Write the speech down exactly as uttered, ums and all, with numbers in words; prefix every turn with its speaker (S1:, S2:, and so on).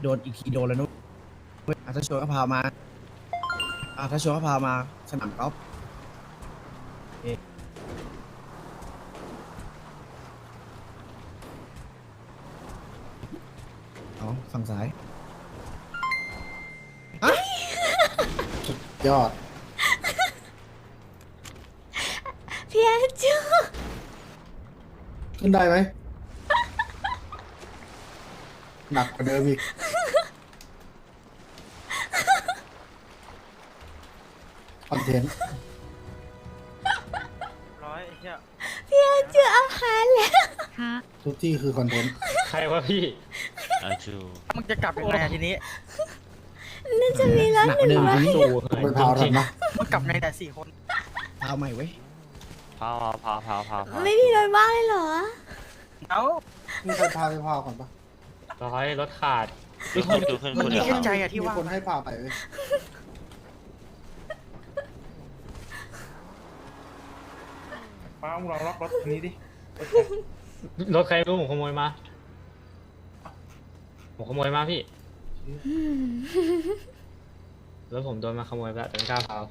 S1: นอีกทีโดนแล้วนุ๊กอ่ะถ้าชวนก็พามาอ่ะถ้าชวนก็พามาสนามกอล์ฟเอ๊ะเอาฝั่งซ้าย
S2: ยอด
S3: พี่อาจู
S2: ขึ้นได้ไหม หนักกว่าเดิมอีกคอนเทนต์
S4: ร้อยเฮีย
S3: พี่อาจูเอาหารแล้ว
S2: ทุกที่คือคอนเทนต์
S5: ใครวะพี่
S6: อาจู
S4: มึงจะกลับยังไงอะทีนี้
S3: น่าจะมีรถ
S1: หนัก
S3: ห
S1: กว่าเดิ
S3: นึ่
S1: ม
S3: งร้อย
S1: ทีนี้
S2: ไปพาวทันนะ
S4: มึงกลับไงแต่สี่คน
S1: พาใหม่เว้ย
S6: พาวพาวพาวพาวพาว
S3: ไม่มีรถบ้างเลยเหรอ
S4: เอ้า
S2: มีใครพาไปพาวก่อนปะ
S5: ร้อยรถขาด
S6: ขึ้นขึ้นขึ้นขึ้น
S4: มึง
S6: ขึ้น
S4: มี
S6: เดี๋ยว
S4: แค่
S6: ครับ
S4: ใจอะที่
S2: มี
S4: ว่า
S2: คนให้พาไปเว้ย
S7: ป้ามึงลองล็อกรถคันนี้ดิ
S5: รถใครไม่รู้ผมขโมยมา ผมขโมยมาพี่ รถผมโดนมาขโมยไปแล้วแต่ไม่กล้าเผา